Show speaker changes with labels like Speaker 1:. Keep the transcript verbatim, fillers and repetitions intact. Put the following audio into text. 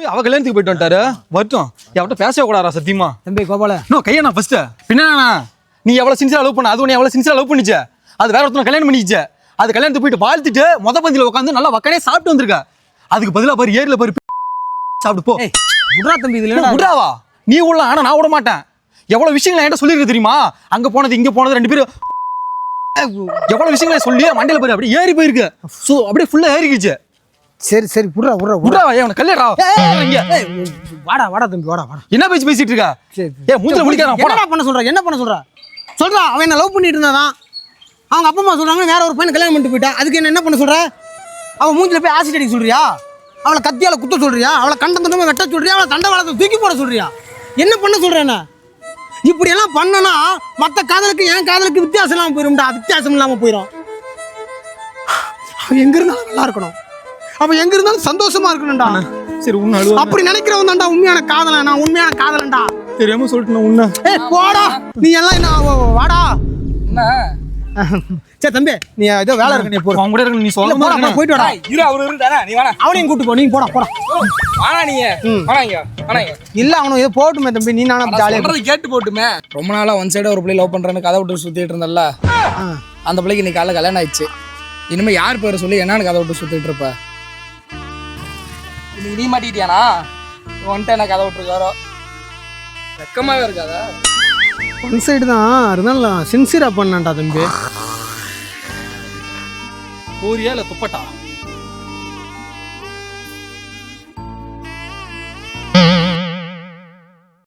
Speaker 1: போய் அவ கல்யாணத்துக்கு போயிட்டு வந்துட்டாரு வரட்டும் எவட்ட பேசவே கூடாதா சத்தியமா
Speaker 2: தம்பி கோபால
Speaker 1: நோ கையா நான் ஃபர்ஸ்ட் பின்னா நீ எவ்வளவு சின்சியரா லவ் பண்ண அது உன்னை எவ்வளவு சின்சியரா லவ் பண்ணிச்ச அது வேற ஒருத்தனை கல்யாணம் பண்ணிச்சு அது கல்யாணத்துக்கு போயிட்டு வாழ்த்துட்டு மொத பந்தியில உட்காந்து நல்லா வக்கனே சாப்பிட்டு வந்திருக்க அதுக்கு பதிலா பாரு ஏரியில பாரு சாப்பிட்டு போ
Speaker 2: விட்றா தம்பி இதுல
Speaker 1: விடாவா நீ உள்ள ஆனா நான் விட மாட்டேன் எவ்வளவு விஷயங்கள் என்கிட்ட சொல்லிருக்கு தெரியுமா அங்க போனது இங்க போனது ரெண்டு பேரும் எவ்வளவு விஷயங்களை சொல்லி மண்டையில பாரு அப்படியே ஏறி போயிருக்கு சோ அப்படியே ஃபுல்லா ஏறிக்கிச்சு
Speaker 2: சரி சரி விட்றா விட்றா
Speaker 1: விடாவா ஏன் கல்யாணம்
Speaker 2: வாடா வாடா தம்பி வாடா வாடா
Speaker 1: என்ன பேச்சு பேசிட்டு இருக்க ஏ மூஞ்சில முடிக்காத
Speaker 2: என்னடா பண்ண சொல்ற என்ன பண்ண சொல்ற சொல்றா அவன் என்ன லவ் பண்ணிட்டு இருந்தாதான் அவங்க அப்பா அம்மா சொல்றாங்க வேற ஒரு பையன் கல்யாணம் பண்ணிட்டு போயிட்டா அதுக்கு என்ன என்ன பண்ண சொல்ற அவன் மூஞ்சில போய் ஆசிட் அடிக்க சொல்றியா அவளை கத்தியால குத்த சொல்றியா அவளை கண்ட தண்டமா வெட்ட சொல்றியா அவளை தண்டவாளத்தை தூக்கி போட சொல்றியா என்ன பண்ண சொல்ற என்ன இப்படி எல்லாம் பண்ணனா மற்ற காதலுக்கு என் காதலுக்கு வித்தியாசம் இல்லாம போயிரும்டா வித்தியாசம் இல்லாம போயிடும் அவன் எங்க இருந்தாலும் நல்லா இருக்கணும் அவன் எங்க இருந்தாலும் சந்தோஷமா இருக்கணும்டா
Speaker 1: சரி உன்ன அழுவ
Speaker 2: அப்படி நினைக்கிறவன் தான்டா உண்மையான காதலன் நான் உண்மையான காதலன்டா
Speaker 1: தெரியாம சொல்லிட்டு நான் உன்ன
Speaker 2: ஏய் போடா நீ எல்லாம் என்ன வாடா
Speaker 3: என்ன
Speaker 2: சரி தம்பி நீ ஏதோ வேலை இருக்கு நீ போ
Speaker 1: அவங்க கூட இருக்கு நீ சொல்ல
Speaker 2: போடா போடா, போயிட்டு வாடா
Speaker 3: இரு அவரு இருந்தானே நீ வேணா
Speaker 2: அவனையும் கூட்டு போ நீ போடா போடா
Speaker 3: வாடா நீங்க வாடாங்க வாடாங்க
Speaker 2: இல்ல அவனும் ஏதோ போட்டுமே தம்பி நீ நானும் ஜாலியா
Speaker 3: சொல்றது கேட்டு போட்டுமே ரொம்ப நாளா ஒன் சைடா ஒரு பிள்ளை லவ் பண்றேன்னு கதை விட்டு சுத்திட்டு இருந்தல்ல அந்த பிள்ளைக்கு இன்னைக்கு காலைல கல்யாணம் ஆயிடுச்சு இனிமே யார் பேரை சொல்லி என்னன்னு கதை விட்டு சுத்திட்டு இருப்ப இன்னைக்கு நீ மாட்டிக்கிட்டியானா வந்துட்டு என்ன கதை விட்டுருக்காரோ வெக்கமாவே இருக்காதா
Speaker 2: ஒன் சைடு தான் இருந்தாலும் சின்சியரா பண்ணான்டா தம்பி
Speaker 1: போரியா இல்ல துப்பட்டா